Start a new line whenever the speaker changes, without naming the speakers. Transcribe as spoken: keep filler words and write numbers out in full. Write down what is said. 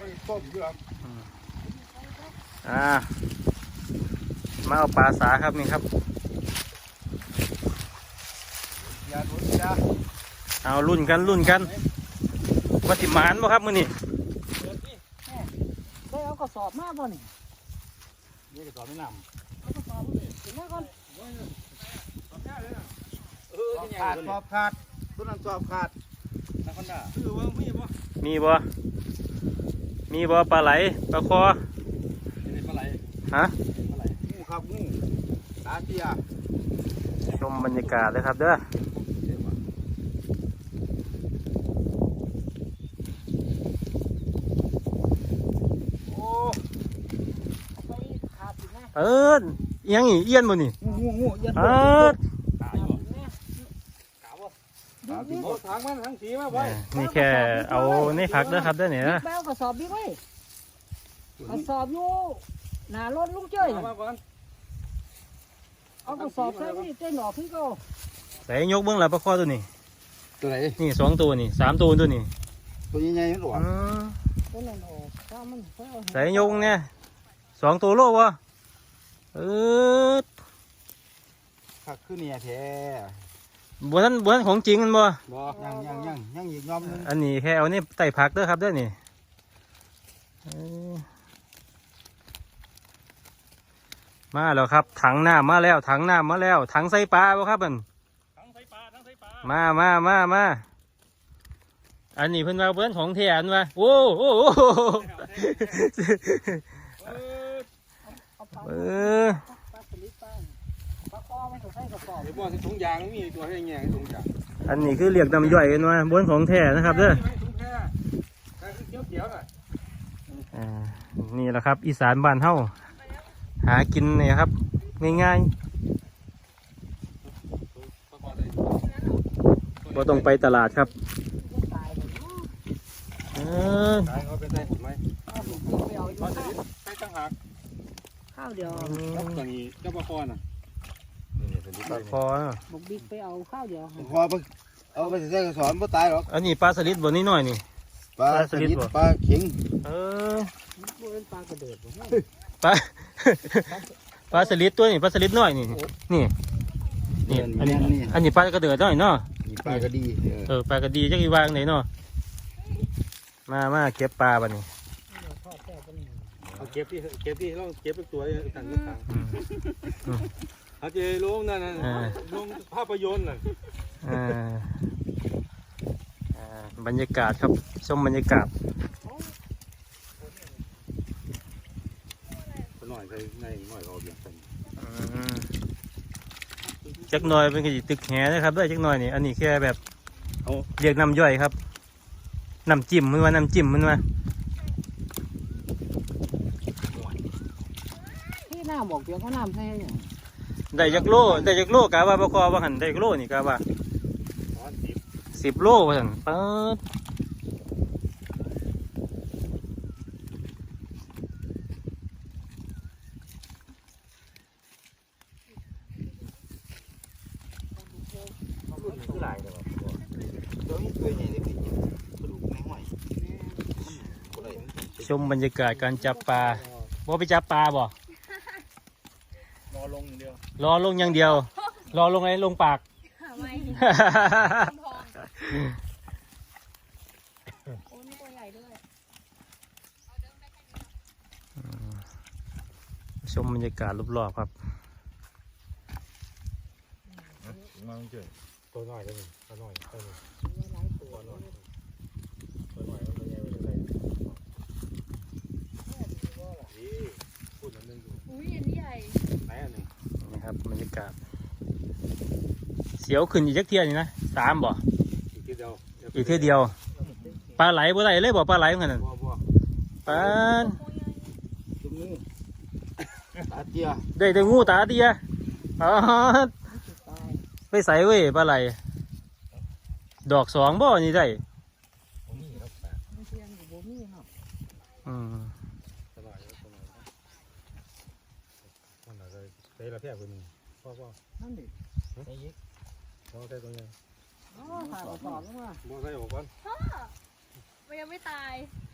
ต้มด้วย
อ่ามาเอาปลาสาครับนี่ครับ
ยาดุนยา
เอารุ่นกันรุ่นกันวัติมานบ่ครับมื้อนี้
ได้เอากระสอบมาบ่นี่
นี่กระสอบไม่นำ
เอากระสอบถึงมาก่อน
เออขาดสอบขาดต้นนั้นสอบขาดนักขันดาคือว่ามีบ่
มีบ่มีบ่ปลาไหลปลาคอ
นี่ปลาไหล
ฮะ
ปลาไหลงูครับงูตาเตีย
ชมบรรยากาศเลยครับเด้อเอิ้นยังอีเอี้ยนบ่นี่
งูงูเอี้ยน
เอิ้น
ตายบ่ตายบ่ตายบ่ทางมันทางสีมาไว้
นี่แค่เอานี่พักเด้อครับเด้อเนี่ยนะ
แบ้วกระสอบบิ๊กไว้กระสอบอยู่หน้ารถลุงเจ้ยเอากระสอบใส่นี่เต้นหนอกขึ้นก็
ใส่ยกเบื้องหลังปลาคอตัวนี้
ตัวไหน
นี่สองตัวนี่สามตัวตัวนี้
ตัวใหญ่ๆมันหลวม
ใส่ยกเนี่ยสองตัวโลวะเออ
ผักขึ้นเนี่ยแท้
บัวนั้นบัวนั้นของจริงมันบ่
บ่ยังยังยังยังอีกยอมนึง
อันนี้แค่เอานี่ไต่ผักเด้อครับเด้อนี่มาแล้วครับถังน้ำมาแล้วถังน้ำมาแล้วถังใส่ปลาบ่ครับมัน
ถังใส่ปลาถังใส่ปลา
มามามามาอันนี้เพิ่นว่าเพิ่นของแท้อันว่าโอ้โหเออ
ถุงยางมีตัวให้แง่ถุงยาง
อันนี้คือเรียกน้ำย่อยกันว่าบนของแท้นะครับเด้ออ่านี่แหละครับอีสานบ้านเฮาหากินเนี่ยครับง่ายๆบ่ต้องไปตลาดครับเออ
เขาเป็นได้ผลไหมเขาจะใช้ตั้งหัก
ข้าวเดียว
แล้วตัวนี้เจ้าปลาคอน่ะ
ปลาคอ
บุกบิ๊กไปเอาข้าวเดียว
คอเอาไปใส่กระสอบไม่ตายหรอก
อันนี้ปลาสลิดบนนี้หน่อยนี่
ปลาสลิดปลาเข็ง
เออ
เป็นปลากระเดิด
ปลาปลาสลิดตัวนี้ปลาสลิดน้อยนี่นี่นี่อันนี้อันนี้ปลากระเดิดน้อยเนาะ
ปลากระดี
เออปลากระดีจักอีวางไหนเนาะมามาเก็บปลาบ้านี่
เอาเก็บที่เก็บที่เราเก็บเป็นตัวต่างต่างเขาจะลงนั่นน่ะลงภาพยนตร์น่ะ
บรรยากาศครับชมบรรยากาศ
หน่อยในหน่อยเราเบียดกัน
จักหน่อยเป็นกระดิ่งตึกแหนะครับด้วยจักหน่อยนี่อันนี้แค่แบบเรียกน้ำย่อยครับน้ำจิ้มมันว่าน้ำจิ้มมันว่า
ที่น้ำบอกเดี๋ยวเขาน้ำใช่ไหม
ได้จักโลได้จักโลกะว่าบกว่าหันได้จักโลนี่กะว่าสิบโลว่าหันเปิดชมบรรยากาศการจับปลาบ่ไปจับปลาบ่
รอลงอย่างเดียว
รอลงอย่างเดียวรอลงไงลงปากชมบรรยากาศรอบๆครับ
มาเจอตัวน้อยเลยตัวน้อยตัวน้อยตัวน้อยตัวน้อยมันยังไม่ได้นี่พูดอันนึงดู
อุ้ยอันนี้ใหญ่
ไหนอันนึง
นี่ครับบรรยากาศเสียวขึ้นอีกจักเทียนี่นะสามบ่
อีกทีเดียว
อีกทีเดียวปลาไหลบ่ได้เลยบ่ปลาไหลเหมือนกันปลา
ตาเตี้ย
ได้แต่งูตาเตี้ยอ๋อไปใส่เว้ยปลาไหลดอกสองบ่นี่ได้อืม
ใส่ละแพร่คนนึงพ่อพ่อ
นั่นดิ
ใส่ยิกพ่อใส่ตรงนี้
อ๋อถ่ายออกก่อนแล้วว่า
พ่อใส่ออกก่อน
พ่อมันยังไม่ตาย